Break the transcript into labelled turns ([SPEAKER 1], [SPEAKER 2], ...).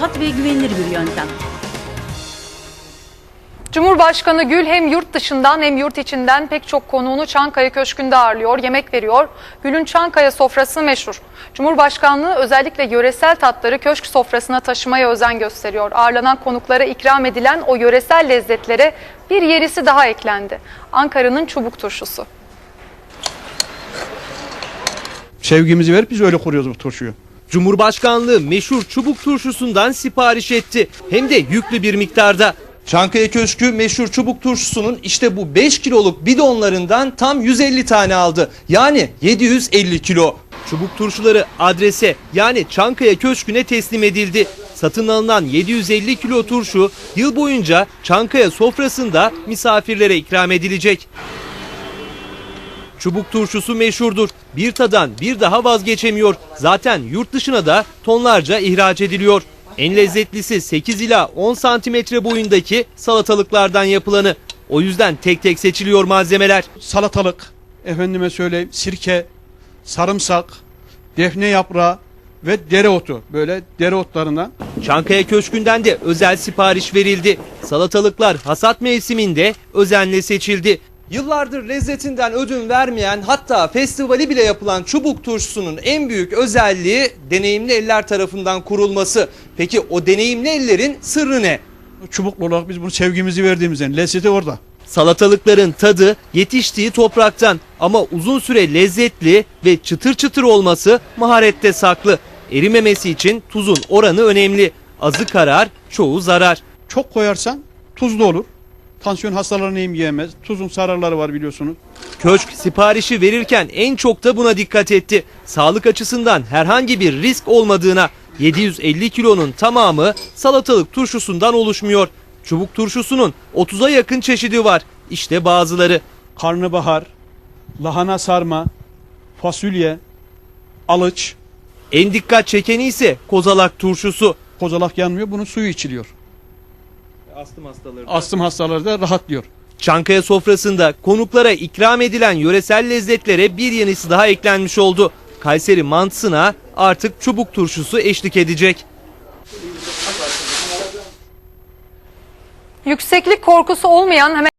[SPEAKER 1] rahat ve güvenilir bir yöntem.
[SPEAKER 2] Cumhurbaşkanı Gül hem yurt dışından hem yurt içinden pek çok konuğunu Çankaya Köşkü'nde ağırlıyor, yemek veriyor. Gül'ün Çankaya sofrası meşhur. Cumhurbaşkanlığı özellikle yöresel tatları köşk sofrasına taşımaya özen gösteriyor. Ağırlanan konuklara ikram edilen o yöresel lezzetlere bir yenisi daha eklendi. Ankara'nın çubuk turşusu.
[SPEAKER 3] Sevgimizi verip biz öyle kuruyoruz bu turşuyu.
[SPEAKER 4] Cumhurbaşkanlığı meşhur çubuk turşusundan sipariş etti. Hem de yüklü bir miktarda. Çankaya Köşkü meşhur çubuk turşusunun işte bu 5 kiloluk bidonlarından tam 150 tane aldı. Yani 750 kilo. Çubuk turşuları adrese yani Çankaya Köşkü'ne teslim edildi. Satın alınan 750 kilo turşu yıl boyunca Çankaya sofrasında misafirlere ikram edilecek. Çubuk turşusu meşhurdur. Bir tadan bir daha vazgeçemiyor. Zaten yurt dışına da tonlarca ihraç ediliyor. En lezzetlisi 8 ila 10 santimetre boyundaki salatalıklardan yapılanı. O yüzden tek tek seçiliyor malzemeler.
[SPEAKER 3] Salatalık, efendime söyleyeyim sirke, sarımsak, defne yaprağı ve dereotu. Böyle dereotlarından.
[SPEAKER 4] Çankaya Köşkü'nden de özel sipariş verildi. Salatalıklar hasat mevsiminde özenle seçildi. Yıllardır lezzetinden ödün vermeyen hatta festivali bile yapılan çubuk turşusunun en büyük özelliği deneyimli eller tarafından kurulması. Peki o deneyimli ellerin sırrı ne?
[SPEAKER 3] Çubuklu olarak biz bunu sevgimizi verdiğimizden lezzeti orada.
[SPEAKER 4] Salatalıkların tadı yetiştiği topraktan ama uzun süre lezzetli ve çıtır çıtır olması maharette saklı. Erimemesi için tuzun oranı önemli. Azı karar, çoğu zarar.
[SPEAKER 3] Çok koyarsan tuzlu olur. Tansiyon hastalarını yiyemez. Tuzun zararları var biliyorsunuz.
[SPEAKER 4] Köşk siparişi verirken en çok da buna dikkat etti. Sağlık açısından herhangi bir risk olmadığına. 750 kilonun tamamı salatalık turşusundan oluşmuyor. Çubuk turşusunun 30'a yakın çeşidi var. İşte bazıları.
[SPEAKER 3] Karnabahar, lahana sarma, fasulye, alıç.
[SPEAKER 4] En dikkat çekeni ise kozalak turşusu.
[SPEAKER 3] Kozalak yanmıyor. Bunun suyu içiliyor. Astım hastaları da rahatlıyor.
[SPEAKER 4] Çankaya sofrasında konuklara ikram edilen yöresel lezzetlere bir yenisi daha eklenmiş oldu. Kayseri mantısına artık çubuk turşusu eşlik edecek.
[SPEAKER 2] Yükseklik korkusu olmayan hemen